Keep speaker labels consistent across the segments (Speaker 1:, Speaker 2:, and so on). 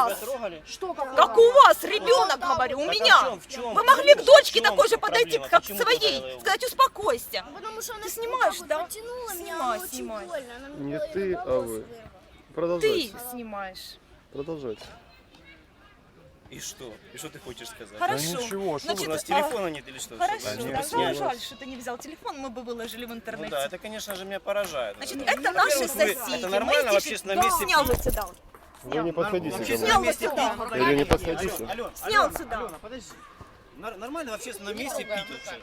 Speaker 1: вас?
Speaker 2: Что,
Speaker 1: Как у вас, ребенок, говорю, у меня. Вы могли к дочке такой же подойти, как к своей, сказать, успокойся.
Speaker 3: Потому что она
Speaker 1: Ты снимаешь, да?
Speaker 3: потянула меня,
Speaker 1: Снимай,
Speaker 3: она очень
Speaker 1: снимай.
Speaker 3: больно. Она мне
Speaker 4: Не
Speaker 3: на
Speaker 4: ты, а
Speaker 3: волосы
Speaker 4: вы.
Speaker 3: вырвала.
Speaker 4: Продолжайте.
Speaker 1: Ты снимаешь.
Speaker 4: Продолжайте.
Speaker 5: И что? И что ты хочешь сказать?
Speaker 1: Хорошо.
Speaker 4: ничего, что
Speaker 1: Значит,
Speaker 5: У нас телефона нет или что?
Speaker 1: Хорошо,
Speaker 5: Чтобы-
Speaker 4: нет,
Speaker 1: тогда
Speaker 4: нет.
Speaker 1: жаль, что ты не взял телефон, мы бы выложили в
Speaker 5: Ну
Speaker 1: интернете.
Speaker 5: да, это, конечно же, меня поражает.
Speaker 1: Значит,
Speaker 5: Ну,
Speaker 1: это наши
Speaker 5: во-первых, вы-
Speaker 1: соседи.
Speaker 5: Это нормально в общественном месте
Speaker 1: Снял
Speaker 5: пить?
Speaker 1: вот сюда.
Speaker 4: Вы не подходите ко
Speaker 1: Снял
Speaker 4: мне.
Speaker 1: вот сюда.
Speaker 4: Или не подходите.
Speaker 5: Алена,
Speaker 1: Снял
Speaker 5: Алена,
Speaker 1: сюда.
Speaker 5: Алена, подожди. Нормально в общественном месте пить вообще?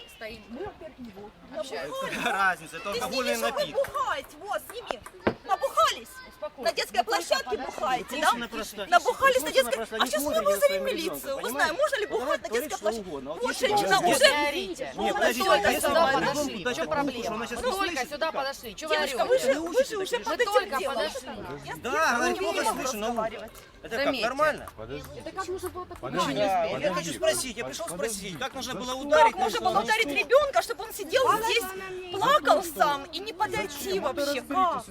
Speaker 5: Какая разница, это
Speaker 1: Ты
Speaker 5: алкогольный
Speaker 1: сними, что вы
Speaker 5: напиток.
Speaker 1: бухаете. Вот, сними. Набухались? На детской площадке бухаете, да?
Speaker 5: Женщина просто-
Speaker 1: Набухались на
Speaker 5: женщина
Speaker 1: детской...
Speaker 5: просто
Speaker 1: А
Speaker 5: не
Speaker 1: сейчас мы
Speaker 5: смотрит за
Speaker 1: вызовем
Speaker 5: своим
Speaker 1: милицию.
Speaker 5: ребенком,
Speaker 1: Узнаем,
Speaker 5: понимаете?
Speaker 1: можно ли
Speaker 5: Она
Speaker 1: бухать на
Speaker 5: творит
Speaker 1: детской
Speaker 5: что
Speaker 1: площадке.
Speaker 5: угодно. Вот
Speaker 1: Вот
Speaker 5: если
Speaker 1: женщина
Speaker 5: вы-
Speaker 1: уже...
Speaker 5: Нет, подождите,
Speaker 1: Только
Speaker 5: если
Speaker 1: сюда
Speaker 5: вы
Speaker 1: подошли.
Speaker 5: ребенку дать
Speaker 2: В чем
Speaker 5: такую
Speaker 2: проблема?
Speaker 5: что она сейчас
Speaker 2: Мы
Speaker 5: не
Speaker 2: только
Speaker 5: слышит
Speaker 2: сюда
Speaker 5: никак.
Speaker 2: подошли. Чего вы
Speaker 1: Девочка,
Speaker 2: орете?
Speaker 1: вы же уже под этим
Speaker 2: только
Speaker 1: делом.
Speaker 2: подошли.
Speaker 5: Да, она
Speaker 1: не
Speaker 5: неплохо
Speaker 1: могу
Speaker 5: слышит на ухо.
Speaker 1: разговаривать.
Speaker 5: Это как,
Speaker 2: Заметьте.
Speaker 5: нормально?
Speaker 2: Это как нужно было так
Speaker 4: Подожди.
Speaker 5: Да,
Speaker 2: не
Speaker 5: вот я хочу спросить, я пришел спросить, как нужно было ударить?
Speaker 1: Как можно было ударить ребенка, чтобы он сидел здесь, плакал сам и не подойти вообще? Как?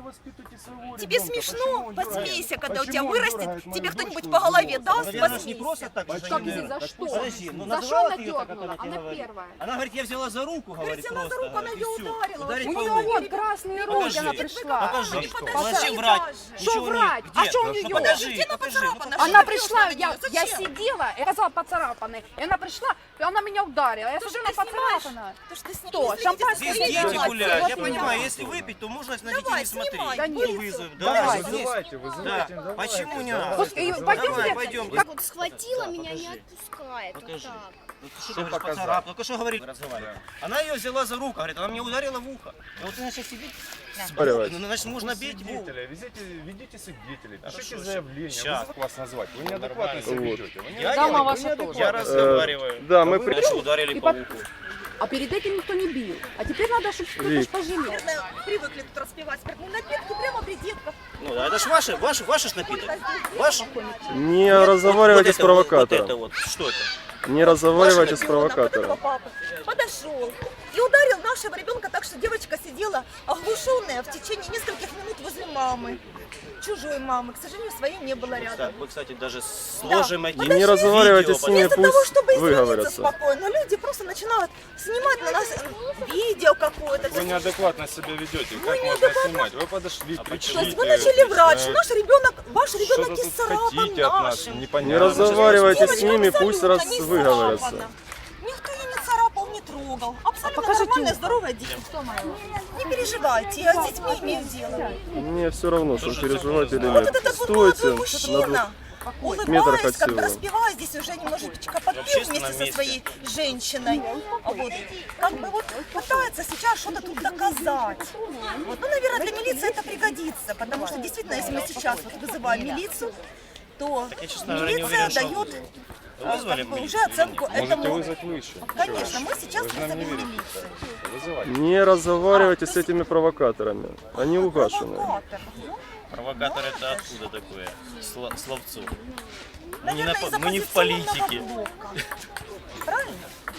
Speaker 1: Тебе смешно? Посмейся, когда у тебя вырастет, тебе кто-нибудь по голове даст,
Speaker 5: Наверное, ж не
Speaker 1: посмейся.
Speaker 5: просто так же.
Speaker 2: Как
Speaker 5: они,
Speaker 2: здесь, за
Speaker 5: наверное.
Speaker 2: что?
Speaker 5: Подожди, ну
Speaker 2: За
Speaker 5: называла
Speaker 2: что
Speaker 5: ты её так, как
Speaker 2: надёрнула?
Speaker 5: она тебе
Speaker 2: Она
Speaker 5: говорит?
Speaker 2: первая.
Speaker 5: Она говорит, я взяла за руку, говорит,
Speaker 1: взяла за
Speaker 5: просто.
Speaker 1: руку, она
Speaker 5: говорит,
Speaker 1: её
Speaker 5: и всё.
Speaker 1: ударила.
Speaker 5: Ударить
Speaker 2: У
Speaker 5: по
Speaker 2: нее
Speaker 5: уху.
Speaker 2: вот красные руки,
Speaker 5: Покажи.
Speaker 2: она пришла.
Speaker 5: Покажи.
Speaker 1: Ну,
Speaker 5: Ну,
Speaker 1: подожди,
Speaker 5: начни врать.
Speaker 1: даже.
Speaker 5: Ничего
Speaker 2: Что врать?
Speaker 5: нет.
Speaker 2: А
Speaker 5: Где?
Speaker 2: что у
Speaker 5: Ну,
Speaker 2: неё?
Speaker 5: покажи,
Speaker 1: Где она
Speaker 5: покажи.
Speaker 1: поцарапана?
Speaker 2: Она
Speaker 1: Что
Speaker 2: пришла,
Speaker 1: ты
Speaker 2: я
Speaker 1: Зачем?
Speaker 2: сидела, я сказала поцарапанный. И она пришла, и она меня ударила. Я
Speaker 1: То,
Speaker 2: смотрю,
Speaker 1: что
Speaker 2: она
Speaker 1: ты снимаешь,
Speaker 2: поцарапана.
Speaker 1: то, что ты снимаешь.
Speaker 2: Что,
Speaker 1: Извините,
Speaker 2: шампанское
Speaker 5: Здесь
Speaker 2: Снимай,
Speaker 5: дети гуляют. Я
Speaker 2: снимай.
Speaker 5: понимаю, если выпить, то можно на детей
Speaker 1: Давай,
Speaker 5: не смотреть.
Speaker 1: снимай.
Speaker 2: Да нет.
Speaker 5: Вызовем.
Speaker 2: Давай.
Speaker 5: Да,
Speaker 4: Вызывайте,
Speaker 5: да.
Speaker 4: вызывайте. давайте.
Speaker 5: Почему не?
Speaker 2: Пойдем,
Speaker 5: Давай, пойдем.
Speaker 3: Как вот схватила меня, не отпускает. Вот
Speaker 5: Покажи.
Speaker 3: так.
Speaker 5: Ну, ты что говоришь, поцарап? Только что говорит, разговаривает. Она ее взяла за руку, говорит, она мне ударила в ухо. И вот ты начал сидеть.
Speaker 4: Спаривать.
Speaker 5: Ну, значит, можно бить в ухо.
Speaker 6: Свидетеля, ведите свидетелей, пишите
Speaker 5: Хорошо,
Speaker 6: заявление,
Speaker 5: щас.
Speaker 6: как вас назвать. Вы неадекватно себя
Speaker 4: Вот.
Speaker 6: ведете. Вы
Speaker 5: Я
Speaker 2: Дама
Speaker 5: не-
Speaker 2: ваша тоже.
Speaker 5: Я разговариваю.
Speaker 4: Да, мы
Speaker 5: Значит, ударили по уху.
Speaker 2: А перед этим никто не бил. А теперь надо, чтобы кто-то
Speaker 4: Вик.
Speaker 2: ж пожалел.
Speaker 1: Наверное, привыкли тут распивать спиртные напитки прямо при детках.
Speaker 5: Ну да, это ж ваш ж напиток. Ваш.
Speaker 4: не разговаривайте с
Speaker 5: Вот это вот,
Speaker 4: провокатором.
Speaker 5: что это?
Speaker 4: Не разговаривайте с
Speaker 1: Вашего ребенка, вот этого
Speaker 4: провокатором.
Speaker 1: папы, подошел и ударил нашего ребенка так, что девочка сидела оглушенная в течение нескольких минут возле мамы. Чужой мамы, к сожалению, своей не было
Speaker 5: Да,
Speaker 1: рядом.
Speaker 5: мы, кстати, даже сложим эти
Speaker 4: Не разговаривайте
Speaker 5: видео,
Speaker 4: с ними,
Speaker 1: Вместо того,
Speaker 4: пусть
Speaker 1: чтобы извиниться
Speaker 4: выговорятся.
Speaker 1: спокойно, люди просто начинают снимать на нас видео какое-то.
Speaker 6: Вы неадекватно себя ведете. Как можно
Speaker 1: неадекватно.
Speaker 6: снимать? Вы подошли,
Speaker 1: То
Speaker 6: кричите.
Speaker 1: есть вы начали врать, что наш ребенок, ваш ребенок
Speaker 6: Что-то тут
Speaker 1: исцарапан
Speaker 6: хотите от нас,
Speaker 1: нашим.
Speaker 6: непонятно.
Speaker 4: Не разговаривайте с
Speaker 1: Девочка
Speaker 4: ними, пусть
Speaker 1: абсолютно не
Speaker 4: выговорятся.
Speaker 1: исцарапана. Никто ее не царапал, не трогал. Абсолютно
Speaker 2: покажите
Speaker 1: нормальная,
Speaker 2: ухо.
Speaker 1: здоровая девочка. Не переживайте, я с детьми имею дело.
Speaker 4: Мне все равно, что переживать или
Speaker 1: Вот
Speaker 4: нет.
Speaker 1: этот вот
Speaker 4: Стойте
Speaker 1: молодой
Speaker 4: на
Speaker 1: мужчина,
Speaker 4: метр
Speaker 1: улыбаясь,
Speaker 4: от
Speaker 1: как-то
Speaker 4: сила.
Speaker 1: распевая здесь уже немножечко подпев
Speaker 5: общественном
Speaker 1: вместе со
Speaker 5: месте.
Speaker 1: своей женщиной. Вот. Как бы вот пытается сейчас что-то тут доказать. Вот. Ну, наверное, для милиции это пригодится, потому что действительно, если мы сейчас вот вызываем милицию, то
Speaker 5: Я, честно говоря, не
Speaker 1: милиция
Speaker 5: уверен, что
Speaker 1: дает
Speaker 5: Вы вызвали
Speaker 1: как бы, уже
Speaker 5: милицию или
Speaker 1: оценку
Speaker 6: Можете
Speaker 1: этому.
Speaker 6: вызвать вы еще.
Speaker 1: Конечно, мы сейчас
Speaker 6: Вы же нам не
Speaker 1: вызовем
Speaker 6: верите.
Speaker 1: милицию.
Speaker 6: Вызывайте.
Speaker 4: Не разговаривайте с этими провокаторами. Они угашены.
Speaker 1: Провокатор.
Speaker 5: Провокатор это откуда такое? Словцо.
Speaker 1: Наверное, из
Speaker 5: Мы не в
Speaker 1: оппозиционного
Speaker 5: политике.
Speaker 1: блока. Правильно?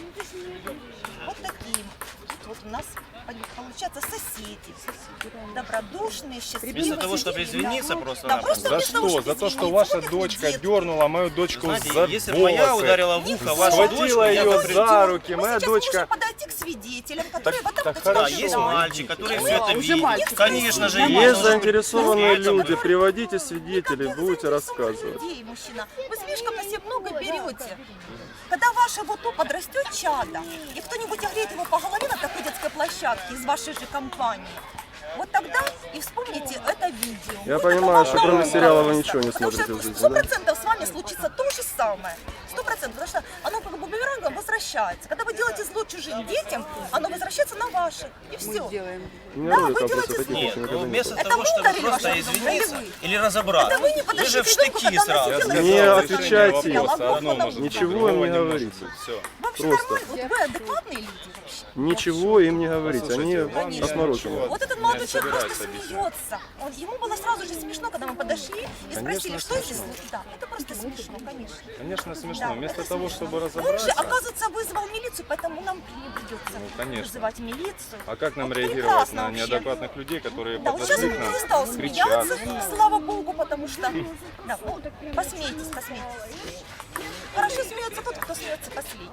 Speaker 1: Вот такие. Вот у нас получается соседи. Добродушные, счастливые.
Speaker 5: Вместо того, чтобы
Speaker 1: соседи.
Speaker 5: извиниться
Speaker 1: Да,
Speaker 5: просто-напросто.
Speaker 1: просто
Speaker 6: За
Speaker 1: вместо того,
Speaker 6: что?
Speaker 1: чтобы
Speaker 6: За то, что
Speaker 1: извиниться.
Speaker 6: ваша
Speaker 1: Вот такие
Speaker 6: дочка
Speaker 1: детки.
Speaker 6: дернула мою дочку
Speaker 5: Знаете,
Speaker 6: за
Speaker 5: если бы моя
Speaker 6: волосы.
Speaker 5: ударила в ухо вашу
Speaker 6: Схватила
Speaker 5: дочку, я
Speaker 6: ее
Speaker 5: бы
Speaker 6: за
Speaker 5: придумал.
Speaker 6: руки,
Speaker 1: Мы
Speaker 6: моя
Speaker 1: сейчас
Speaker 6: дочка...
Speaker 1: можем подойти к свидетелям, которые вот так
Speaker 6: так
Speaker 1: вот
Speaker 5: Да,
Speaker 6: хорошо.
Speaker 5: есть
Speaker 6: Хорошо.
Speaker 5: мальчик, который все это
Speaker 2: уже
Speaker 5: видит.
Speaker 2: мальчик.
Speaker 5: Конечно же,
Speaker 4: Есть
Speaker 5: есть.
Speaker 4: заинтересованные
Speaker 5: Это
Speaker 4: люди,
Speaker 5: мы.
Speaker 4: приводите свидетелей, будете рассказывать.
Speaker 1: Людей, мужчина. Вы слишком на себя много берете. Когда ваше вот то подрастет чадо, и кто-нибудь огреет его по голове на такой детской площадке из вашей же компании, вот тогда и вспомните это видео.
Speaker 4: Я
Speaker 1: Вот
Speaker 4: понимаю,
Speaker 1: это
Speaker 4: что
Speaker 1: вам
Speaker 4: кроме
Speaker 1: нравится.
Speaker 4: сериала вы ничего не
Speaker 1: Потому
Speaker 4: смотрите в
Speaker 1: что
Speaker 4: жизни, да?
Speaker 1: 100% с вами случится то же самое. 100%, потому что оно как бы бумерангом возвращается. Когда вы делаете зло чужим детям, оно возвращается на ваши. И
Speaker 2: Мы
Speaker 1: все.
Speaker 2: сделаем.
Speaker 4: У меня
Speaker 1: Да,
Speaker 4: роли
Speaker 1: вы
Speaker 4: там
Speaker 1: делаете
Speaker 4: после таких
Speaker 5: Нет,
Speaker 4: еще
Speaker 5: ну
Speaker 4: никогда не
Speaker 5: вместо
Speaker 4: было.
Speaker 1: Это
Speaker 5: того,
Speaker 1: вы
Speaker 5: чтобы
Speaker 1: ударили
Speaker 5: просто
Speaker 1: вашу
Speaker 5: извиниться
Speaker 1: дочь?
Speaker 5: или разобраться.
Speaker 1: Это вы не
Speaker 5: Вы
Speaker 1: подошли
Speaker 5: же
Speaker 1: к
Speaker 5: в
Speaker 1: ребенку,
Speaker 5: штыки
Speaker 1: когда она
Speaker 5: сразу.
Speaker 1: сидела
Speaker 4: Не
Speaker 1: и
Speaker 4: отвечайте.
Speaker 1: говорила,
Speaker 6: Одно
Speaker 1: «Ладно,
Speaker 6: может быть,
Speaker 4: Ничего
Speaker 6: другого
Speaker 4: им не
Speaker 6: может
Speaker 4: говорите.
Speaker 6: быть. Все.
Speaker 1: Вообще
Speaker 4: Просто.
Speaker 1: нормально? Вот вы адекватные люди вообще?
Speaker 4: Ничего им не говорить, они
Speaker 1: Конечно.
Speaker 4: отморожены.
Speaker 1: Вот этот молодой
Speaker 6: не
Speaker 1: человек просто
Speaker 6: собирается
Speaker 1: смеется. Ему было сразу же смешно, когда мы подошли и спросили,
Speaker 6: Конечно,
Speaker 1: что здесь.
Speaker 6: смешно.
Speaker 1: Да, это просто смешно, конечно.
Speaker 6: Конечно, смешно.
Speaker 1: Да,
Speaker 6: Вместо
Speaker 1: это
Speaker 6: того,
Speaker 1: смешно.
Speaker 6: чтобы
Speaker 1: Он же,
Speaker 6: разобраться,
Speaker 1: оказывается, вызвал милицию, поэтому нам не придется
Speaker 6: Ну, конечно.
Speaker 1: вызывать милицию.
Speaker 6: а как нам
Speaker 1: Вот
Speaker 6: реагировать
Speaker 1: прекрасно
Speaker 6: на
Speaker 1: вообще.
Speaker 6: неадекватных людей, которые
Speaker 1: Да, вот сейчас он
Speaker 6: подошли к
Speaker 1: перестал
Speaker 6: нам,
Speaker 1: смеяться,
Speaker 6: кричат?
Speaker 1: слава богу, потому что... Да, ну, посмейтесь, посмейтесь. Хорошо смеется тот, кто смеется последний.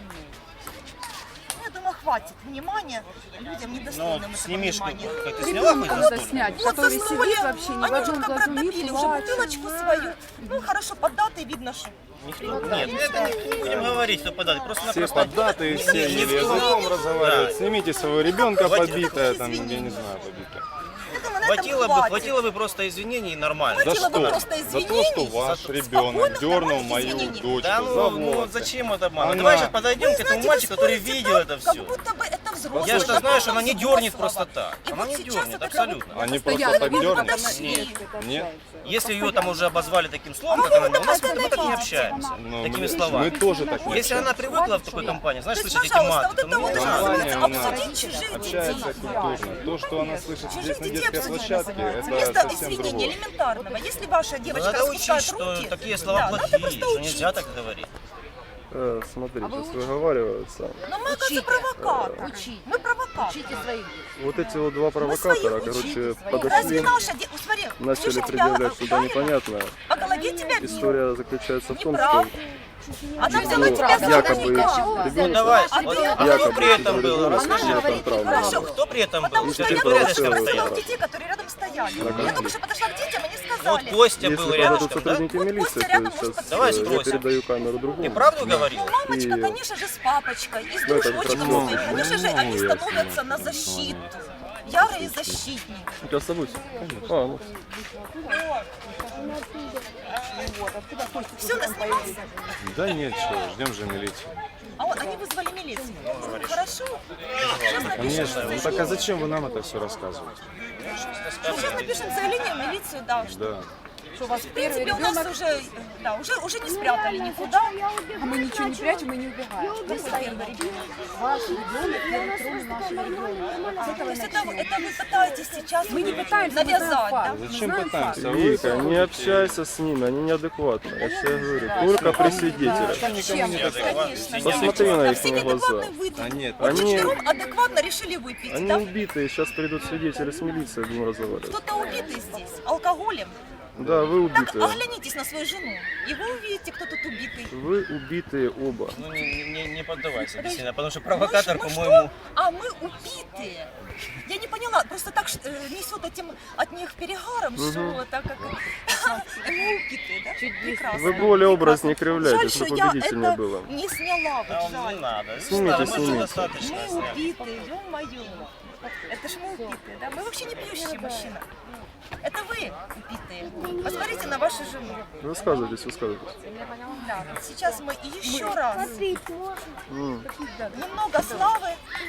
Speaker 1: Я думаю, хватит внимания людям
Speaker 5: Ну,
Speaker 1: недостойным этого
Speaker 5: снимишку,
Speaker 1: внимания.
Speaker 5: как ты сняла хоть
Speaker 2: Надо
Speaker 5: за стол?
Speaker 2: снять,
Speaker 1: Вот
Speaker 2: который
Speaker 1: заснули,
Speaker 2: сидит вообще ни в
Speaker 1: они
Speaker 2: одном
Speaker 1: уже
Speaker 2: глазу не
Speaker 1: протопили уже
Speaker 2: плачет.
Speaker 1: бутылочку свою. Ну, хорошо, поддатый, видно, что...
Speaker 5: Нет, это не будем говорить, кто подать.
Speaker 6: Все
Speaker 5: Просто-напросто
Speaker 6: поддатые, все
Speaker 5: не
Speaker 6: еле
Speaker 5: в том.
Speaker 6: языком разговаривают.
Speaker 5: Да.
Speaker 6: Снимите своего ребенка
Speaker 5: Вот это
Speaker 6: побитое,
Speaker 1: такое
Speaker 6: там, я
Speaker 1: извинение.
Speaker 6: не знаю, побитое.
Speaker 1: Я думаю, на этом
Speaker 5: хватило бы просто извинений и нормально.
Speaker 6: За
Speaker 1: Хватило бы
Speaker 6: что?
Speaker 1: просто
Speaker 6: За то,
Speaker 1: извинений.
Speaker 6: что ваш
Speaker 1: За-
Speaker 6: ребенок
Speaker 1: спокойно,
Speaker 6: дернул
Speaker 1: нормальных
Speaker 6: мою
Speaker 1: извинений.
Speaker 6: дочку
Speaker 5: Да
Speaker 6: за
Speaker 5: ну
Speaker 6: волосы.
Speaker 5: зачем это обманывать?
Speaker 6: Она-
Speaker 5: Давай сейчас подойдем к
Speaker 1: Вы
Speaker 5: этому
Speaker 1: знаете,
Speaker 5: мальчику,
Speaker 1: вы
Speaker 5: который
Speaker 1: спорите
Speaker 5: видел
Speaker 1: так,
Speaker 5: это
Speaker 1: как
Speaker 5: все.
Speaker 1: будто бы это взрослый.
Speaker 5: Я же
Speaker 1: это
Speaker 5: знаю, что она не
Speaker 1: взрослого.
Speaker 5: дернет просто так.
Speaker 1: И
Speaker 5: Она
Speaker 1: вот
Speaker 5: не
Speaker 1: сейчас
Speaker 5: дернет,
Speaker 1: вот это
Speaker 5: абсолютно.
Speaker 1: вот
Speaker 6: Они
Speaker 1: постоянно
Speaker 6: просто так
Speaker 1: вот
Speaker 6: дернут?
Speaker 1: подошли.
Speaker 5: Нет. Если ее там уже обозвали таким словом, как она, у нас мы так не общаемся.
Speaker 6: Ну,
Speaker 5: Такими
Speaker 6: мы
Speaker 5: словами.
Speaker 6: тоже так не
Speaker 5: Если она
Speaker 6: общаемся.
Speaker 5: привыкла в такой компании, знаешь,
Speaker 1: То есть,
Speaker 5: слышать эти
Speaker 1: пожалуйста,
Speaker 5: маты,
Speaker 1: вот
Speaker 5: то
Speaker 1: это вот
Speaker 5: не
Speaker 1: что
Speaker 5: надо.
Speaker 1: называется
Speaker 6: Компания у нас
Speaker 1: обсудить чужих
Speaker 6: общается
Speaker 1: детей.
Speaker 6: культурно. То, что она слышит здесь на детской
Speaker 1: детей
Speaker 6: площадке, это
Speaker 1: Вместо
Speaker 6: совсем
Speaker 1: извинения
Speaker 6: другое.
Speaker 1: элементарного, если ваша девочка
Speaker 5: Надо учить,
Speaker 1: распускает
Speaker 5: что
Speaker 1: руки,
Speaker 5: такие слова
Speaker 1: да, надо
Speaker 5: плохие,
Speaker 1: просто
Speaker 5: что
Speaker 1: учить.
Speaker 5: нельзя так говорить.
Speaker 4: Смотрите, сейчас выговариваются.
Speaker 1: Но мы, оказывается, провокаторы.
Speaker 2: Учите.
Speaker 1: Мы провокаторы.
Speaker 2: Учите своих.
Speaker 4: Вот эти вот два провокатора, короче,
Speaker 1: Разве
Speaker 4: подошли,
Speaker 1: наша смотри,
Speaker 4: начали
Speaker 1: слушай, тебя
Speaker 4: предъявлять что-то
Speaker 1: ударила,
Speaker 4: непонятное.
Speaker 1: по голове тебя били.
Speaker 4: История заключается в том,
Speaker 1: Неправда.
Speaker 4: что
Speaker 1: Она взяла тебя за
Speaker 4: якобы
Speaker 1: рукав.
Speaker 5: Ну
Speaker 4: ребенка,
Speaker 5: давай,
Speaker 1: А
Speaker 5: вот,
Speaker 1: ты-
Speaker 5: а кто
Speaker 4: якобы
Speaker 5: при этом был?
Speaker 4: ребенок
Speaker 5: Расскажи.
Speaker 4: сказал, что это правда.
Speaker 1: Хорошо.
Speaker 5: Кто при этом был?
Speaker 1: Потому что
Speaker 5: Ты
Speaker 1: я
Speaker 4: провоцировала
Speaker 1: только что
Speaker 5: рядышком
Speaker 1: спросила
Speaker 5: стоял.
Speaker 1: у детей, которые рядом стояли.
Speaker 4: Ага.
Speaker 1: Я только что подошла к детям, они
Speaker 5: Вот
Speaker 1: сказали.
Speaker 5: Костя
Speaker 4: Если
Speaker 5: был
Speaker 4: подойдут
Speaker 5: рядышком, да?
Speaker 4: сотрудники
Speaker 1: Вот
Speaker 4: милиции,
Speaker 1: Костя рядом
Speaker 4: то
Speaker 1: может
Speaker 4: сейчас
Speaker 5: Давай
Speaker 4: я
Speaker 5: спросим.
Speaker 4: передаю камеру другому.
Speaker 5: Ты правду говорил?
Speaker 1: Ну, мамочка,
Speaker 4: И-
Speaker 1: конечно же, с папочкой, и с
Speaker 4: Ну, это
Speaker 1: дружочком
Speaker 4: красиво.
Speaker 1: своим. Конечно же, они становятся на защиту. Ярые защитники.
Speaker 4: У тебя с собой? Ну,
Speaker 1: Все, наснимался?
Speaker 6: Да нет, что, ждем же милицию.
Speaker 1: А вот они вызвали милицию. Хорошо. Сейчас напишем,
Speaker 6: Конечно. Ну так а зачем вы нам это все рассказываете?
Speaker 1: сейчас напишем заявление в милицию, да.
Speaker 6: Да.
Speaker 2: Что у вас
Speaker 1: В
Speaker 2: первый
Speaker 1: принципе, у нас
Speaker 2: ребенок,
Speaker 1: уже, да, уже не спрятали никуда.
Speaker 2: а мы ничего не прячем и не убегаем.
Speaker 1: Постоянно ребенок.
Speaker 2: Ваш ребенок первый труд нашего ребенка. С
Speaker 1: То
Speaker 2: этого
Speaker 1: есть это
Speaker 2: начнем.
Speaker 1: вы пытаетесь сейчас
Speaker 2: Мы не пытаемся, мы знаем
Speaker 1: навязать, да?
Speaker 2: факт.
Speaker 6: Зачем
Speaker 2: Мы знаем
Speaker 6: пытаемся?
Speaker 2: факт.
Speaker 6: Вы
Speaker 4: Вика, не общайся с ними, они неадекватны. Я тебе говорю, только при свидетелях.
Speaker 2: Чем?
Speaker 1: Конечно.
Speaker 4: Посмотри на
Speaker 1: Да,
Speaker 4: их
Speaker 1: все
Speaker 4: глаза.
Speaker 1: неадекватные вы тут.
Speaker 6: А нет,
Speaker 1: Вот
Speaker 4: они-
Speaker 1: вчером адекватно решили выпить,
Speaker 4: Они
Speaker 1: да?
Speaker 4: убитые, сейчас придут свидетели с милицией, будем разговаривать.
Speaker 1: Кто-то убитый здесь, алкоголем.
Speaker 4: Да, вы
Speaker 1: Так,
Speaker 4: убитые.
Speaker 1: оглянитесь на свою жену, и вы увидите, кто тут убитый.
Speaker 4: Вы убитые оба.
Speaker 5: Ну не поддавайся сильно, потому что провокатор,
Speaker 1: Мы
Speaker 5: по-моему,
Speaker 1: что? А мы убитые. Я не поняла, просто так несет этим от них перегаром, что это как... И мы убитые, да? Прекрасно.
Speaker 4: Вы более образ не
Speaker 1: Жаль,
Speaker 4: кривляйте,
Speaker 1: что
Speaker 4: чтобы
Speaker 1: я
Speaker 4: убедительнее
Speaker 1: это
Speaker 4: было.
Speaker 1: не сняла, вот
Speaker 5: там не
Speaker 1: жаль.
Speaker 5: надо. Не
Speaker 4: Снимите,
Speaker 5: надо, мы уже
Speaker 4: снимите.
Speaker 5: достаточно
Speaker 1: Мы
Speaker 5: сняли.
Speaker 1: убитые, ё-моё. Это ж мы убитые, да? Мы вообще не пьющие мужчина. Это вы убитые. Посмотрите на вашу жену.
Speaker 4: Высказывайтесь, высказывайтесь.
Speaker 1: Да, сейчас мы еще раз
Speaker 4: М.
Speaker 1: немного славы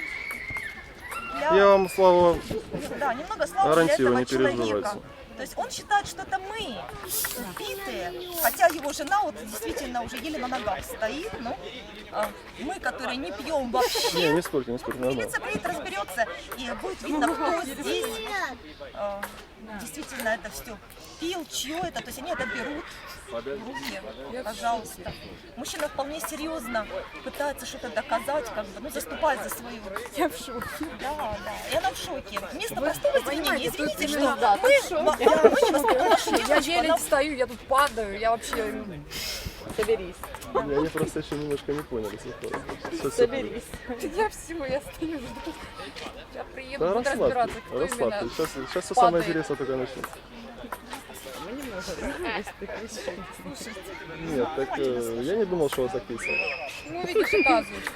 Speaker 1: для,
Speaker 4: Я вам, Слава,
Speaker 1: да, немного славы для
Speaker 4: гарантирую,
Speaker 1: этого
Speaker 4: не
Speaker 1: человека.
Speaker 4: переживайте.
Speaker 1: То есть он считает, что это мы убитые, хотя его жена вот действительно уже еле на ногах стоит, ну, мы, которые не пьем вообще.
Speaker 4: не спорьте, нормально.
Speaker 1: Милиция приедет, разберется, и будет видно, кто здесь действительно это все пил, чье это, то есть они это берут в руки, пожалуйста. Мужчина вполне серьезно пытается что-то доказать, как бы, ну, заступать за свою.
Speaker 2: Я в шоке.
Speaker 1: Да, да, и она в шоке. Вместо простого извинения, извините, что
Speaker 2: именно, да,
Speaker 1: мы не воспитали нашу
Speaker 2: Я
Speaker 1: девочку,
Speaker 2: еле
Speaker 1: она
Speaker 2: встаю, я тут падаю, я вообще... Соберись.
Speaker 4: Они просто еще немножко не поняли.
Speaker 2: Соберись. Я все, я стою, жду. Я приеду,
Speaker 4: Да
Speaker 2: буду разбираться, кто
Speaker 4: расслабьте.
Speaker 2: именно...
Speaker 4: Сейчас все самое
Speaker 2: падает.
Speaker 4: интересное только начнется.
Speaker 2: Мы не можем из таких вещей.
Speaker 4: Нет, так я не думал, что у вас так весело.
Speaker 2: Ну, видишь, оказывается.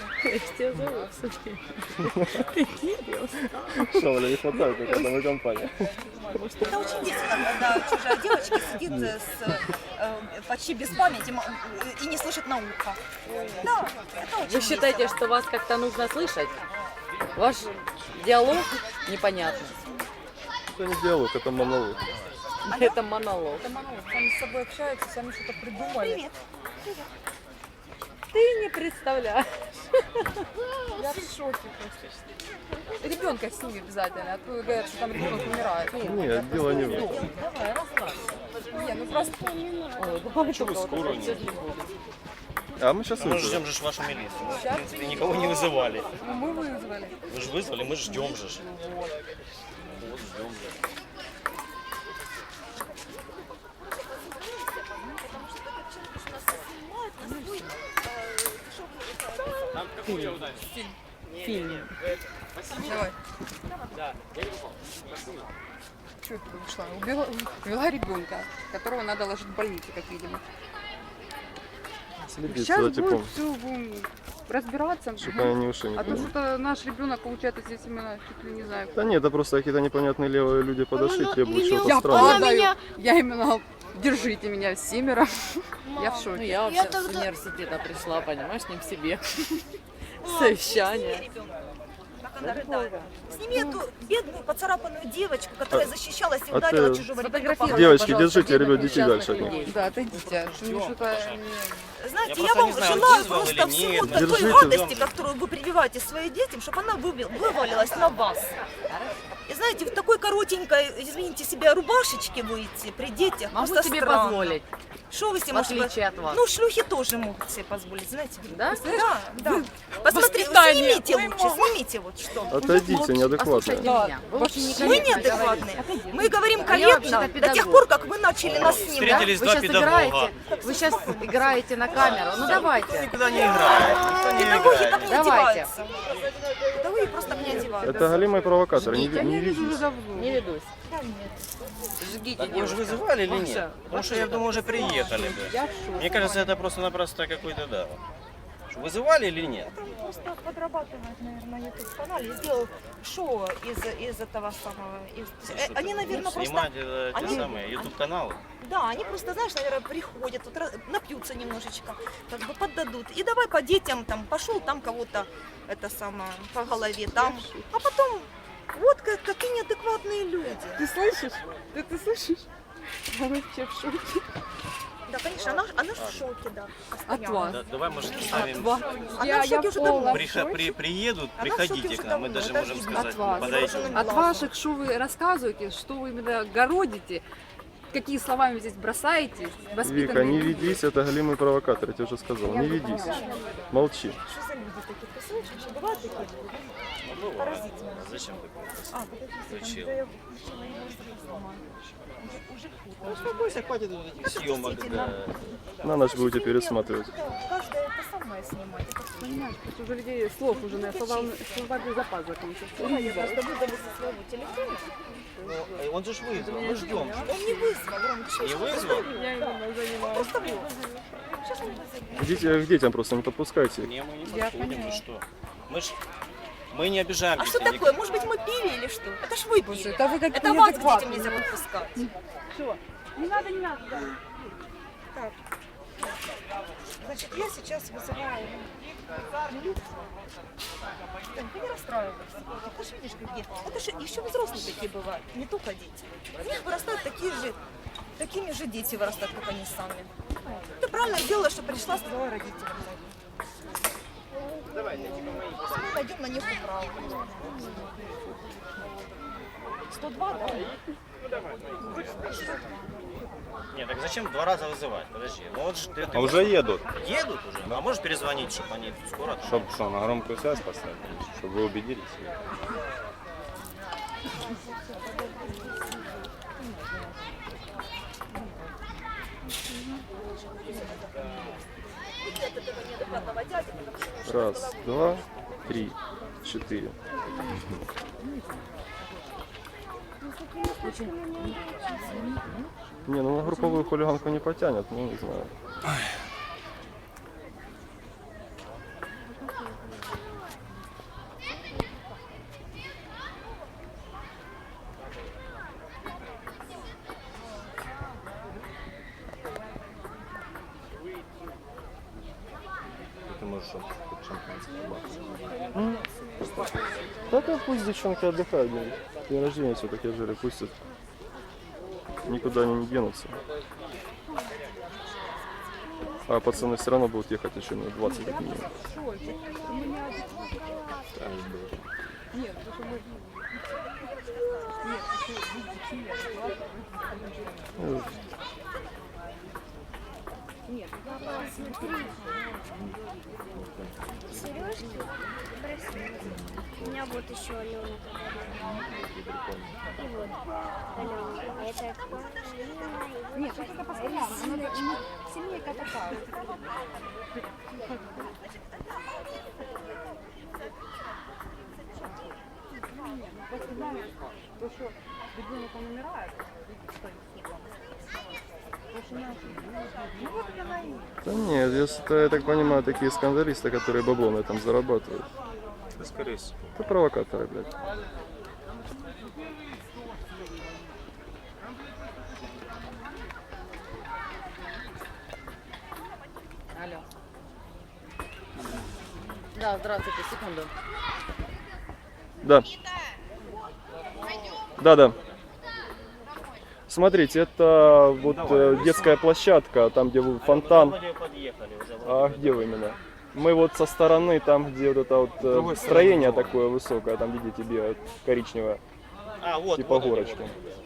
Speaker 4: Шавля не хватает только одной компании.
Speaker 1: Это очень весело, когда чужая девочка сидит почти без памяти и не слышит на ухо. Да, это очень
Speaker 7: Вы считаете,
Speaker 1: весело.
Speaker 7: что вас как-то нужно слышать? Ваш диалог непонятный.
Speaker 4: Это не диалог, это монолог.
Speaker 7: Это монолог.
Speaker 2: Сами с собой общаются, сами что-то придумали.
Speaker 1: Привет.
Speaker 7: Ты не представляешь.
Speaker 2: Я в шоке просто. Ребенка сними обязательно, а то говорят, что там ребенок умирает.
Speaker 4: Нет, дело не в этом.
Speaker 7: Давай, расслабься.
Speaker 2: Не, ну просто
Speaker 7: Ой, давай только вот
Speaker 6: скоро
Speaker 7: это сейчас не будет.
Speaker 4: А мы сейчас
Speaker 5: Мы же
Speaker 4: выйдем.
Speaker 5: ждем же вашу милицию. Мы, в принципе, никого не вызывали.
Speaker 2: ну, мы вызвали.
Speaker 5: Вы же вызвали, мы ждем же. Вот ждем же.
Speaker 7: Фильм.
Speaker 2: Давай. Что это ушла? Увела ребенка, которого надо ложить в больницу, как видимо.
Speaker 4: Следить
Speaker 2: Сейчас
Speaker 4: за
Speaker 2: будет
Speaker 4: типом,
Speaker 2: все разбираться.
Speaker 4: чтобы они не ушли
Speaker 2: А то
Speaker 4: никуда.
Speaker 2: что-то наш ребенок, получается, здесь именно чуть ли не знаю.
Speaker 4: Да нет, это просто какие-то непонятные левые люди подошли,
Speaker 3: Ну,
Speaker 4: требуют
Speaker 3: имел-
Speaker 4: чего-то
Speaker 2: Я
Speaker 4: странного.
Speaker 3: Она меня-
Speaker 2: падаю, я именно держите меня семеро. Я в
Speaker 7: Ну,
Speaker 2: шоке.
Speaker 7: я вообще
Speaker 3: Я
Speaker 7: с
Speaker 3: тогда-
Speaker 7: университета пришла, понимаешь, не к себе. Совещание.
Speaker 1: Как она рыдает. Сними эту бедную поцарапанную девочку, которая защищалась и
Speaker 4: а
Speaker 1: ударила
Speaker 4: ты-
Speaker 1: чужого ребенка.
Speaker 7: Сфотографируй,
Speaker 4: Девочки,
Speaker 7: пожалуйста,
Speaker 4: держите, ребят,
Speaker 7: бедных
Speaker 4: детей дальше от
Speaker 7: несчастных
Speaker 4: них.
Speaker 7: людей.
Speaker 2: Да, отойдите, что мне что-то не...
Speaker 1: Знаете,
Speaker 5: Я
Speaker 1: я
Speaker 5: просто
Speaker 1: вам
Speaker 5: не знаю,
Speaker 1: желаю
Speaker 5: вызвал
Speaker 1: просто
Speaker 5: или
Speaker 1: всего
Speaker 5: нет.
Speaker 1: такой
Speaker 4: Держите.
Speaker 1: радости, которую вы прививаете своим детям, чтобы она вывалилась на вас. И знаете, в такой коротенькой, извините себя, рубашечке выйти при детях
Speaker 7: Могу
Speaker 1: просто
Speaker 7: себе
Speaker 1: странно.
Speaker 7: позволить,
Speaker 1: Что вы себе
Speaker 7: в
Speaker 1: можете
Speaker 7: отличие от вас.
Speaker 1: Ну, шлюхи тоже могут себе позволить, знаете.
Speaker 7: Да?
Speaker 1: Да, да. Посмотрите,
Speaker 2: воспитание.
Speaker 1: снимите
Speaker 2: Ой,
Speaker 1: лучше, снимите вот что.
Speaker 4: Отойдите,
Speaker 7: Послушайте
Speaker 4: неадекватные.
Speaker 7: меня. Вы очень
Speaker 1: Мы
Speaker 7: некорректно
Speaker 1: неадекватные.
Speaker 7: говорите.
Speaker 1: Мы говорим
Speaker 7: А я вообще-то
Speaker 1: корректно до тех
Speaker 7: педагог.
Speaker 1: пор, как вы начали нас снимать.
Speaker 5: Встретились
Speaker 7: Вы
Speaker 5: два
Speaker 7: сейчас
Speaker 5: педагога.
Speaker 7: играете, вы сейчас играете на камеру. Ну
Speaker 5: Никто
Speaker 7: давайте.
Speaker 5: никуда не играет. Никто не
Speaker 1: Педагоги
Speaker 5: играет.
Speaker 1: так не
Speaker 7: Давайте.
Speaker 1: одеваются. Педагоги просто так не одеваются.
Speaker 4: Это голимые провокаторы, не,
Speaker 2: Я
Speaker 4: не
Speaker 2: не вижу
Speaker 4: ведись.
Speaker 2: уже давно.
Speaker 7: Не ведусь. Жгите
Speaker 5: Так вы же
Speaker 7: девушка.
Speaker 5: вызывали или нет?
Speaker 7: Маша,
Speaker 5: Потому что я думаю, уже приехали бы.
Speaker 2: Я в шоке.
Speaker 5: Мне кажется, это просто-напросто какой-то, да. Что, вызывали или нет?
Speaker 1: Просто подрабатывает, наверное, на YouTube-канале. Сделал шоу из этого самого. Они, наверное, просто...
Speaker 5: Снимать те
Speaker 1: они-
Speaker 5: самые YouTube-каналы.
Speaker 1: Да, они просто, знаешь, наверное, приходят, вот, напьются немножечко, как бы поддадут. И давай по детям, там, пошел там кого-то, это самое, по голове там. А потом, вот какие неадекватные люди.
Speaker 2: Ты слышишь? Ты слышишь? Я вообще в шоке.
Speaker 1: Да, конечно, она в шоке, да.
Speaker 2: От
Speaker 1: постоянно.
Speaker 2: вас.
Speaker 5: Да, давай, может, оставим.
Speaker 2: Вас.
Speaker 1: Она в шоке уже давно.
Speaker 5: Приедут,
Speaker 1: Она в шоке
Speaker 5: приходите
Speaker 1: уже
Speaker 5: к нам, мы
Speaker 1: давно,
Speaker 5: даже
Speaker 1: это
Speaker 5: можем
Speaker 1: видно.
Speaker 5: сказать,
Speaker 2: От вас.
Speaker 5: подойдем.
Speaker 2: От ваших, что вы рассказываете, что вы именно городите, какие слова вы здесь бросаете,
Speaker 4: Вика,
Speaker 2: воспитанные
Speaker 4: не
Speaker 2: люди.
Speaker 4: ведись, это голимый провокатор, я тебе уже сказал. Не ведись. Молчи.
Speaker 1: Что за люди такие? Ты слышишь, что бывают такие люди? Поразительно.
Speaker 5: Зачем такое?
Speaker 1: А, подожди,
Speaker 5: Включил.
Speaker 1: да я включила его сама. Уже хуже.
Speaker 5: Успокойся, хватит вот этих съемок.
Speaker 4: На ночь будете пересматривать.
Speaker 1: Каждая это самое снимать. Это
Speaker 2: Понимаешь, просто уже людей слов уже на словарный запас закончился.
Speaker 1: я просто выдали со своего телефона.
Speaker 5: Он же ж вызвал, мы ждем.
Speaker 1: Он не вызвал, Ром, ты что,
Speaker 5: Не вызвал?
Speaker 2: Я именно занимаюсь.
Speaker 1: просто вызвал. Сейчас мы вызовем.
Speaker 4: Идите к детям просто, не подпускайте.
Speaker 5: Не, мы не
Speaker 2: Я
Speaker 5: подходим,
Speaker 2: поняла.
Speaker 5: вы что? Мы не обижаем
Speaker 1: А что
Speaker 5: детей.
Speaker 1: такое? Может быть, мы пили или что? Это ж вы
Speaker 2: Боже,
Speaker 1: пили.
Speaker 2: это вы как-то
Speaker 1: Это вас к детям
Speaker 2: неадекватные.
Speaker 1: нельзя подпускать.
Speaker 2: Не надо, не надо.
Speaker 1: Так. Значит, я сейчас вызываю милицию. Ты не расстраивайся. Ты же видишь, какие. Это же еще взрослые такие бывают, не только дети. У них вырастают такими же дети вырастают, как они сами. Ты правильно сделала, что пришла, сказала родителям. Мы найдем на них управу. 102, да?
Speaker 5: Нет, так зачем два раза вызывать? Подожди. Ну вот ж ты
Speaker 6: А уже едут.
Speaker 5: едут уже. А можешь перезвонить, чтобы они скоро?
Speaker 6: Чтоб что, на громкую связь поставить? Чтобы вы убедились?
Speaker 4: Раз, два, три, четыре. Не, ну на групповую хулиганку не потянет, ну не знаю.
Speaker 6: Ты можешь хоть шампанское.
Speaker 4: Да пусть девчонки отдыхают, блин. День рождения все-таки жили, пусть никуда они не денутся. А пацаны все равно будут ехать еще минут 20 как минимум.
Speaker 2: Шольчик, у меня... Нет, потому что мы... Нет, ты видите, неадекватно. Нет,
Speaker 3: Папа, смотри. Сережки красивые. У меня вот еще Алена подарила. И вот Алена. А это
Speaker 2: нет, это постоянно. Семейка такая. Просто знаешь, то, что ребенок он умирает, и что ну вот она и...
Speaker 4: Да нет, если я так понимаю, такие скандалисты, которые бабло на этом зарабатывают.
Speaker 6: Да, скорее всего.
Speaker 4: Это провокаторы, блядь.
Speaker 7: Алло. Да, здравствуйте, секунду.
Speaker 4: Да. Да. Смотрите, это вот детская площадка, там где фонтан.
Speaker 5: Вроде подъехали уже.
Speaker 4: А где вы именно? Мы вот со стороны, там где вот это вот строение такое высокое, там видите, бегает коричневое,
Speaker 5: Вот,
Speaker 4: типа
Speaker 5: вот они,
Speaker 4: горочки.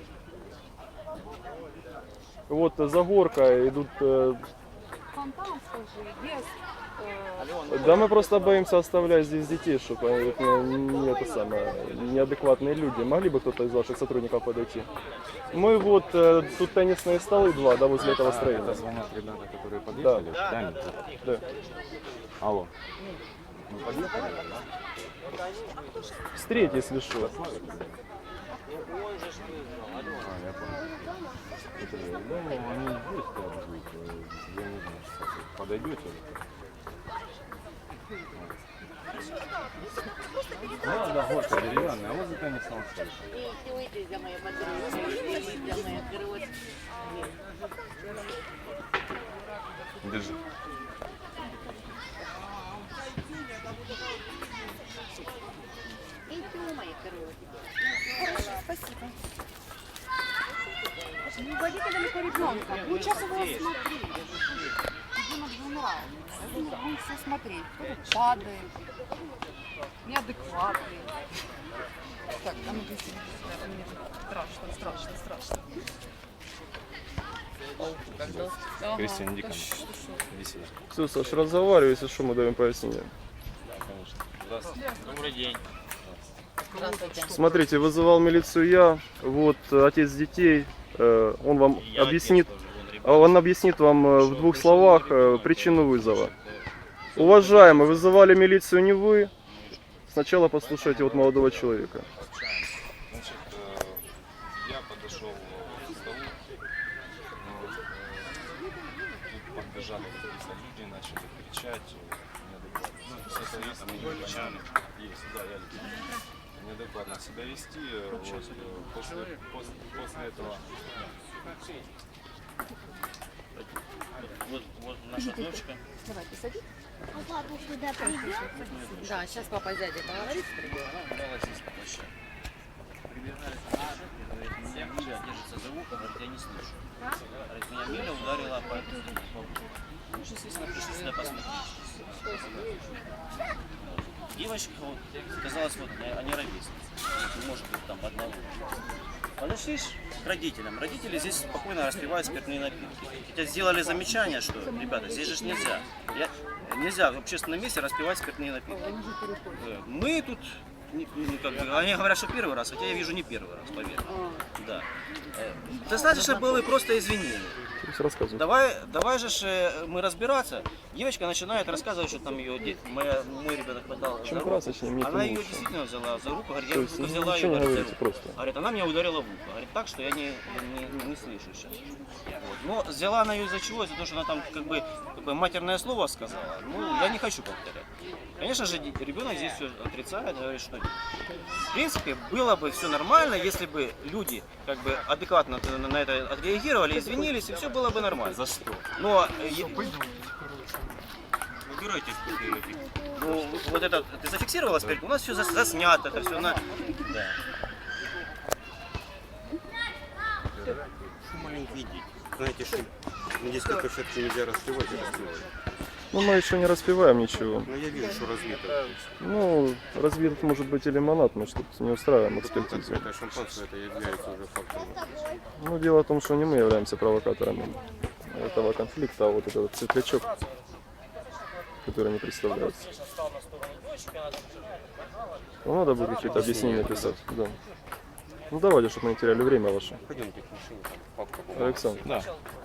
Speaker 4: Вот за горкой идут.
Speaker 2: Фонтан, скажи, без...
Speaker 4: Да мы просто боимся оставлять здесь детей, чтобы не это самое, неадекватные люди. Могли бы кто-то из ваших сотрудников подойти? Мы вот, тут теннисные столы два, да, возле этого строения.
Speaker 6: Это звонят ребята, которые подъехали? Да, нет.
Speaker 4: Да.
Speaker 6: Алло. Мы подъехали, да?
Speaker 4: Встреть, если что.
Speaker 6: Я понял. Это, ну, они здесь как будут, я не знаю, что подойдете? Да, горка деревянная, а вот за теннисом стоит. Держи.
Speaker 1: Спасибо.
Speaker 2: Не уводите далеко ребенка. Ну, сейчас его смотри. Ребенок же умирает. Будем все смотреть. Кто-то падает. Неадекватный. Так, а ну беги. Мне страшно.
Speaker 6: Кристина, иди ко мне. Иди сюда.
Speaker 4: Все, Саш, разговаривай, если что, мы даем пояснение.
Speaker 6: Конечно. Здравствуйте.
Speaker 5: Добрый день.
Speaker 7: Здравствуйте.
Speaker 4: Смотрите, вызывал милицию я, вот отец детей, он вам объяснит, вам в двух словах причину вызова. Уважаемый, вызывали милицию не вы, сначала послушайте вот молодого человека.
Speaker 6: Значит, я подошел к столу, тут подбежали какие-то люди, начали кричать, неадекватно неадекватно себя вести. Вот, после этого
Speaker 5: Вот наша дочка.
Speaker 2: Давай, ты садись.
Speaker 3: А папа сюда придет?
Speaker 7: Да, сейчас папа с дядей поговорит.
Speaker 5: Давай здесь площадь. Прибежали к нашей, говорит, меня Миля держится за ухо, говорит, я не слышу. Говорит, меня Миля ударила по уху. Мы же, естественно, пришли сюда посмотреть. Девочка, вот, казалось, вот, они ровесницы. Может быть, там одного. Подошли к родителям. Родители здесь спокойно распивают спиртные напитки. Хотя сделали замечание, что, ребята, здесь же нельзя. Нельзя в общественном месте распивать спиртные напитки. Мы тут, как бы, они говорят, что первый раз, хотя я вижу не первый раз, поверь. Да. Достаточно было просто извинения.
Speaker 4: Рассказывай.
Speaker 5: Давай же мы разбираться. Девочка начинает рассказывать, что там ее мой ребенок подал за
Speaker 4: Чем
Speaker 5: руку.
Speaker 4: красочнее, мне
Speaker 5: Она
Speaker 4: тем
Speaker 5: ее
Speaker 4: лучше.
Speaker 5: действительно взяла за руку, говорит, я
Speaker 4: То есть
Speaker 5: только взяла ее
Speaker 4: ничего не
Speaker 5: за
Speaker 4: говорите,
Speaker 5: руку.
Speaker 4: просто.
Speaker 5: Говорит, она меня ударила в ухо. Говорит, так, что я не слышу сейчас. Вот. Но взяла она ее из-за чего? Из-за того, что она там как бы матерное слово сказала. Ну, я не хочу повторять. Конечно же, ребенок здесь все отрицает, говорит, что в принципе было бы все нормально, если бы люди как бы адекватно на это отреагировали, извинились, и все было бы нормально. За что? Но выбирайте. Ну, вот это ты зафиксировала спирт, у нас все заснято, это все на. Да. Что маленький видеть? Знаете, что
Speaker 6: На детской площадке нельзя распевать и распевать.
Speaker 4: Ну, мы еще не распиваем ничего.
Speaker 6: Но я вижу, что разбито.
Speaker 4: Ну, разбит может быть и лимонад, мы что-то не устраиваем
Speaker 6: Потом
Speaker 4: экспертизу.
Speaker 6: это шампанское, это является уже фактом.
Speaker 4: Ну, дело в том, что не мы являемся провокаторами этого конфликта, а вот этот вот светлячок, который не представляется. Ну, надо будет какие-то объяснения писать, да. Ну, давайте, чтобы мы не теряли время ваше.
Speaker 6: Пойдемте к машине, там папка.
Speaker 4: Александр.
Speaker 6: Да.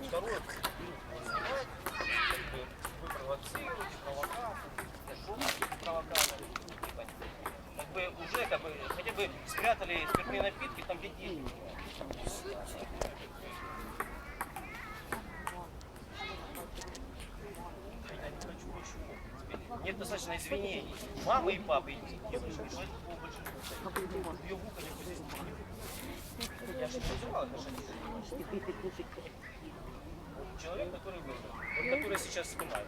Speaker 5: Уже хотя бы спрятали спиртные напитки там, где дети. Нет достаточно извинений. Мамы и папы, и девушки, что это было больше. Ее вука не будет. Я же не называл отношения. Человек, который выбрал, вот который сейчас снимает.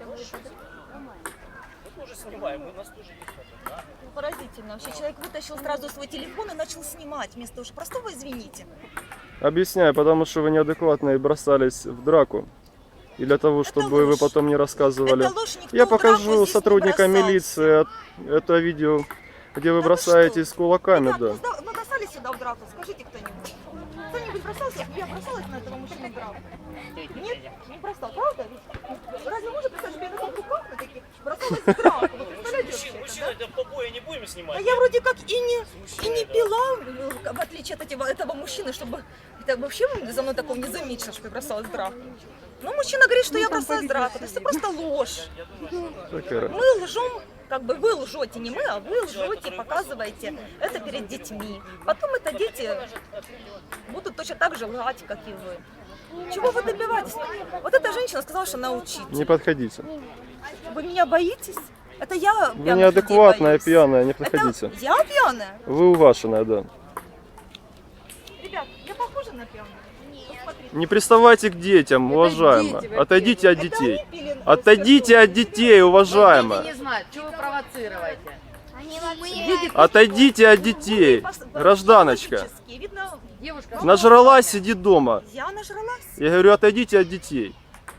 Speaker 5: Мы тоже снимаем, у нас тоже есть это.
Speaker 1: Поразительно. Вообще человек вытащил сразу свой телефон и начал снимать вместо уж простого «извините».
Speaker 4: Объясняю, потому что вы неадекватно и бросались в драку. И для того, чтобы вы
Speaker 1: ложь.
Speaker 4: потом не рассказывали.
Speaker 1: Это ложь, никто
Speaker 4: Я
Speaker 1: в драку
Speaker 4: покажу
Speaker 1: здесь не
Speaker 4: сотрудникам
Speaker 1: бросался.
Speaker 4: милиции это видео, где вы
Speaker 1: Да вы
Speaker 4: бросаетесь
Speaker 1: что?
Speaker 4: кулаками,
Speaker 1: Ребят,
Speaker 4: да.
Speaker 1: мы бросались сюда в драку, скажите кто-нибудь. Кто-нибудь бросался? Я бросалась на этого мужчину в драку. Нет, не бросал, правда? Разве можно представить, что я на таких руках на таких бросалась в драку? Вы представляете вообще это,
Speaker 5: Мужчина, это побои не будем снимать.
Speaker 1: А я вроде как и не пила, в отличие от этого мужчины, чтобы это вообще за мной такого не заметил, что я бросалась в драку. Но мужчина говорит, что я бросалась в драку. Это просто ложь.
Speaker 4: Такая.
Speaker 1: Мы лжем, как бы вы лжете, не мы, а вы лжете, показываете это перед детьми. Потом это дети будут точно так же лгать, как и вы. Чего вы добиваетесь? Вот эта женщина сказала, что она учитель.
Speaker 4: Не подходите.
Speaker 1: Вы меня боитесь? Это я
Speaker 4: Вы
Speaker 1: пьяных
Speaker 4: неадекватная,
Speaker 1: людей боюсь.
Speaker 4: пьяная, не
Speaker 1: Это
Speaker 4: подходите.
Speaker 1: я пьяная?
Speaker 4: Вы уваженная, да.
Speaker 1: Ребят, я похожа на пьяную? Посмотрите.
Speaker 4: Не приставайте к детям, уважаемая.
Speaker 7: дети,
Speaker 4: Отойдите от
Speaker 1: Это
Speaker 4: детей.
Speaker 1: они пили
Speaker 4: Отойдите от детей,
Speaker 7: Дети
Speaker 4: уважаемая.
Speaker 7: не знают, что вы провоцируете.
Speaker 3: Они вообще...
Speaker 4: Отойдите от детей, гражданочка.
Speaker 1: Психологически. Видно,
Speaker 7: Девушка,
Speaker 4: Нажралась, сиди дома.
Speaker 1: я нажралась.
Speaker 4: Я говорю, отойдите от детей.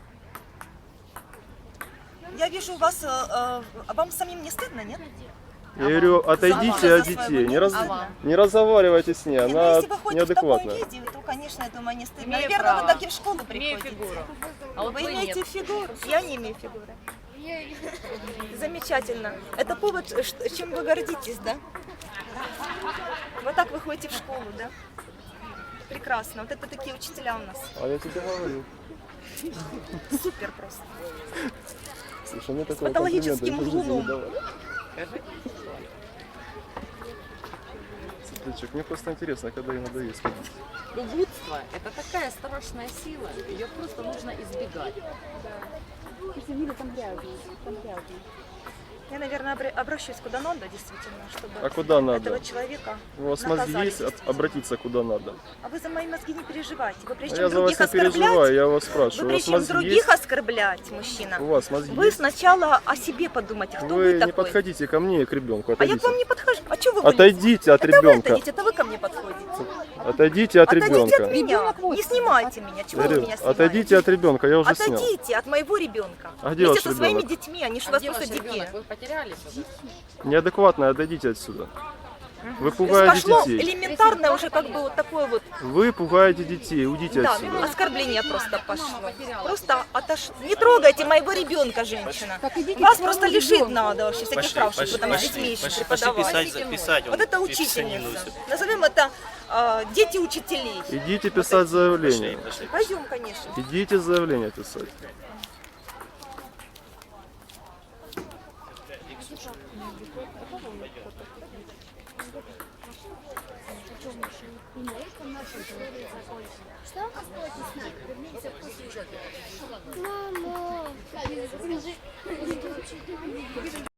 Speaker 1: Я вижу, у вас, вам самим не стыдно, нет?
Speaker 4: Я говорю, отойдите
Speaker 1: За
Speaker 4: от
Speaker 1: своего
Speaker 4: детей. Не,
Speaker 1: мужа.
Speaker 4: не разговаривайте с ней,
Speaker 1: Не, ну,
Speaker 4: она
Speaker 1: если вы ходите в таком
Speaker 4: неадекватная.
Speaker 1: виде, то, конечно, я думаю, не стыдно.
Speaker 7: Имею
Speaker 1: Наверное,
Speaker 7: право.
Speaker 1: вы так и в школу
Speaker 7: имею
Speaker 1: приходите.
Speaker 7: фигуру. А вот
Speaker 1: Вы
Speaker 7: вы
Speaker 1: имеете
Speaker 7: нет.
Speaker 1: фигуру? Я не имею фигуры. Замечательно. Это повод, чем вы гордитесь, да? Вот так вы ходите в школу, да? Прекрасно. Вот это такие учителя у нас.
Speaker 4: А я тебе говорю.
Speaker 1: Супер просто.
Speaker 4: Слушай, мне
Speaker 1: С
Speaker 4: такого
Speaker 1: патологическим
Speaker 4: комплимента в жизни не
Speaker 1: углом.
Speaker 4: давали. Светлячок, мне просто интересно, когда ей надоест.
Speaker 7: Лгутство – это такая страшная сила, ее просто нужно избегать.
Speaker 1: Я, наверное, обращусь куда надо, действительно, чтобы
Speaker 4: А куда надо?
Speaker 1: этого человека
Speaker 4: У вас мозги
Speaker 1: наказали,
Speaker 4: есть
Speaker 1: действительно.
Speaker 4: обратиться куда надо?
Speaker 1: А вы за мои мозги не переживайте. Вы
Speaker 4: А
Speaker 1: прежде
Speaker 4: я
Speaker 1: чем
Speaker 4: за вас
Speaker 1: других
Speaker 4: не
Speaker 1: оскорблять,
Speaker 4: переживаю, я вас
Speaker 1: вы
Speaker 4: спрашиваю. У вас
Speaker 1: прежде чем
Speaker 4: мозги
Speaker 1: других
Speaker 4: есть?
Speaker 1: оскорблять, мужчина,
Speaker 4: У вас мозги
Speaker 1: вы
Speaker 4: есть?
Speaker 1: сначала о себе подумайте, кто вы,
Speaker 4: Вы не
Speaker 1: такой.
Speaker 4: подходите ко мне и к ребенку,
Speaker 1: А я к
Speaker 4: отойдите.
Speaker 1: вам не подхожу. А что вы будете?
Speaker 4: Отойдите от
Speaker 1: Это вы
Speaker 4: ребенка.
Speaker 1: отойдите, это вы ко мне подходите.
Speaker 4: Отойдите от
Speaker 1: Отойдите от
Speaker 4: ребенка.
Speaker 1: меня.
Speaker 2: Ребенок вот.
Speaker 1: Не снимайте меня. Чего вы
Speaker 4: Говорю,
Speaker 1: меня снимаете?
Speaker 4: отойдите от ребенка, я уже снял.
Speaker 1: Отойдите от моего ребенка.
Speaker 4: А где
Speaker 1: Вместе
Speaker 4: ваш
Speaker 1: со своими
Speaker 4: ребенок?
Speaker 1: детьми, они же у
Speaker 7: А
Speaker 1: вас
Speaker 7: где
Speaker 1: просто
Speaker 7: ваш
Speaker 1: дикие.
Speaker 7: ребенок? Вы потерялись уже?
Speaker 4: Неадекватно, отойдите отсюда. Вы
Speaker 1: То есть
Speaker 4: пугаете
Speaker 1: пошло
Speaker 4: детей.
Speaker 1: элементарное уже как бы вот такое вот,
Speaker 4: Вы пугаете детей, уйдите
Speaker 1: да,
Speaker 4: отсюда.
Speaker 1: оскорбление просто пошло. Просто Не трогайте моего ребенка, женщина.
Speaker 2: Так идите
Speaker 1: Вас
Speaker 2: к
Speaker 1: просто
Speaker 2: своему
Speaker 1: лишить
Speaker 2: ребенку.
Speaker 1: надо вообще всяких прав, чтобы вы там с детьми еще преподавали.
Speaker 5: писать.
Speaker 1: Вот это учительница. Назовем это дети учителей.
Speaker 4: Идите писать заявление.
Speaker 1: Пойдем, конечно.
Speaker 4: Идите заявление писать.
Speaker 3: Мама,